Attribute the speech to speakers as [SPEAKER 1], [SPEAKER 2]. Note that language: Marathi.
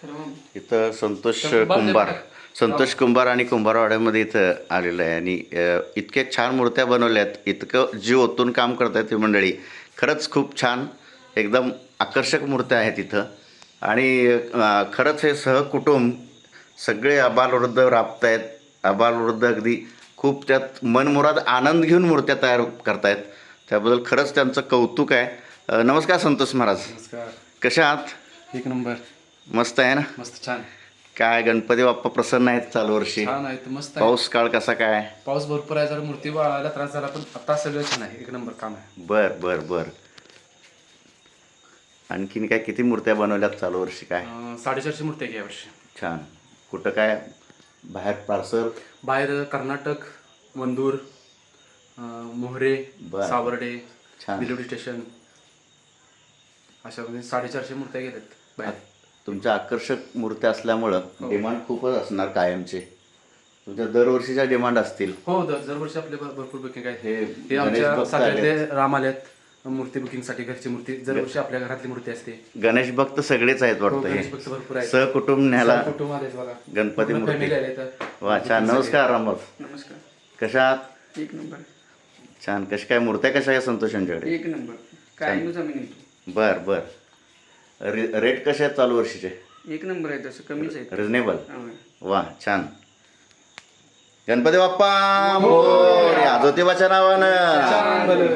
[SPEAKER 1] इथं संतोष कुंभार आणि कुंभारवाड्यामध्ये इथं आलेलं आहे आणि इतक्या छान मूर्त्या बनवल्यात, इतकं जीव ओतून काम करतात ही मंडळी. खरंच खूप छान एकदम आकर्षक मूर्त्या आहेत इथं आणि खरंच हे सहकुटुंब सगळे आबालवृद्ध राबत आहेत. आबालवृद्ध अगदी खूप त्यात मनमुराद आनंद घेऊन मूर्त्या तयार करतायत. त्याबद्दल खरंच त्यांचं कौतुक आहे. नमस्कार संतोष महाराज.
[SPEAKER 2] नमस्कार.
[SPEAKER 1] कशा आहात?
[SPEAKER 2] एक नंबर.
[SPEAKER 1] मस्त आहे ना?
[SPEAKER 2] मस्त छान.
[SPEAKER 1] काय गणपती बाप्पा प्रसन्न आहेत चालू वर्षी?
[SPEAKER 2] छान आहेत, मस्त आहे.
[SPEAKER 1] पाऊस काळ कसा काय?
[SPEAKER 2] पाऊस भरपूर आहे, जरा मूर्ती वाळायला त्रास झाला, पण आता सगळं छान आहे. एक नंबर काम आहे.
[SPEAKER 1] बर बर बर. आणखीन काय किती मूर्त्या बनवल्यात चालू वर्षी? काय
[SPEAKER 2] 450 मूर्ती आहे यावर्षी.
[SPEAKER 1] छान. कुठं काय बाहेर पार्सल?
[SPEAKER 2] बाहेर कर्नाटक, वंदूर, मोहरे,
[SPEAKER 1] बरं.
[SPEAKER 2] सावर्डे,
[SPEAKER 1] छान.
[SPEAKER 2] बिलोडी स्टेशन, अशा म्हणजे 450 मूर्त्या गेल्यात बाहेर.
[SPEAKER 1] तुमच्या आकर्षक मूर्त्या असल्यामुळं
[SPEAKER 2] हो.
[SPEAKER 1] डिमांड खूपच असणार कायमचे. तुमच्या दरवर्षीच्या डिमांड असतील.
[SPEAKER 2] हो, दरवर्षी आपले भरपूर बुकिंग आहे.
[SPEAKER 1] हे
[SPEAKER 2] हे
[SPEAKER 1] गणेश
[SPEAKER 2] आमच्या
[SPEAKER 1] भक्त
[SPEAKER 2] साताऱ्यातले
[SPEAKER 1] आलेत.
[SPEAKER 2] राम आल्यात मूर्ती बुकिंगसाठी. घरची मूर्ती दरवर्षी आपल्या घरातली मूर्ती असते.
[SPEAKER 1] गणेश भक्त सगळेच आहेत
[SPEAKER 2] हो,
[SPEAKER 1] वाटतं.
[SPEAKER 2] गणेश
[SPEAKER 1] हे
[SPEAKER 2] भक्त भरपूर आहेत.
[SPEAKER 1] सहकुटुंब न्यायला
[SPEAKER 2] कुटुंब आलेत बघा.
[SPEAKER 1] गणपती
[SPEAKER 2] पूर्ण
[SPEAKER 1] मूर्ती.
[SPEAKER 2] family आले तर.
[SPEAKER 1] वा छान. नमस्कार रामभाऊ.
[SPEAKER 3] नमस्कार.
[SPEAKER 1] कशा आहात?
[SPEAKER 3] एक नंबर.
[SPEAKER 1] छान. कशा काय मूर्त्या कशा आहे संतोष यांच्याकडे?
[SPEAKER 3] एक नंबर. काय नु जमीन येतो.
[SPEAKER 1] बर बर. रेट कसे आहेत चालू वर्षीचे?
[SPEAKER 3] एक नंबर आहे, तसं कमीच आहे.
[SPEAKER 1] रिजनेबल.
[SPEAKER 3] होय.
[SPEAKER 1] वा छान. गणपती बाप्पा मोरया. ज्योतिबाच्या नावानं.